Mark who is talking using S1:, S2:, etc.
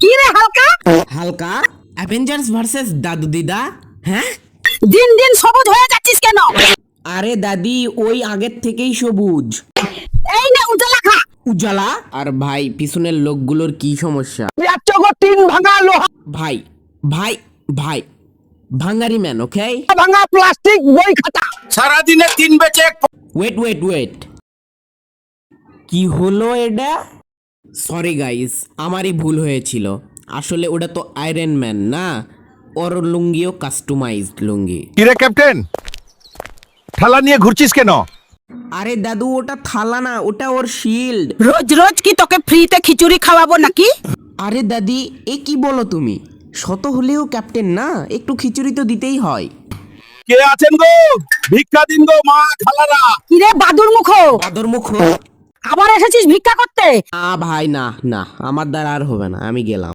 S1: কি রে হালকা?
S2: হালকা অ্যাভেঞ্জার্স ভার্সেস দাদু দিদা। হ্যাঁ,
S1: দিন দিন সবুজ হয়ে যাচ্ছিস কেন?
S2: আরে দাদি ওই আগের থেকেই সবুজ।
S1: এই নে উজালা খা।
S2: উজালা। আর ভাই পিছনের লোকগুলোর কি সমস্যা?
S1: তিন ভাঙা লোহা
S2: ভাই ভাই ভাই ভাঙ্গারি ম্যান, ওকে?
S1: ভাঙা প্লাস্টিক বই খাতা।
S3: সারাদিনে 3 বেচে এক
S2: ওয়েট ওয়েট ওয়েট, কি হলো এটা? সরি গাইস, আমারই ভুল হয়েছিল। আসলে ওটা তো আয়রন ম্যান না, ওর লুঙ্গিও কাস্টমাইজড লুঙ্গি।
S3: কিরে ক্যাপ্টেন, ঠালা নিয়ে ঘুরছিস কেন?
S2: আরে দাদু ওটা থালা না, ওটা ওর শিল্ড।
S1: রোজ রোজ কি তোকে ফ্রিতে খিচুড়ি খাওয়াবো নাকি?
S2: আরে দাদি এ কি বলো তুমি? শত হলেও ক্যাপ্টেন না, একটু খিচুড়ি তো দিতেই হয়।
S3: কে আছেন গো? ভিক্ষা দিন গো মা খালারা।
S1: কি রে বাদুর মুখো,
S2: বাদর মুখ।
S1: আবার এসেছিস ভিক্ষা করতে?
S2: ভাই না না, আমার দ্বারা আর হবে না, আমি গেলাম।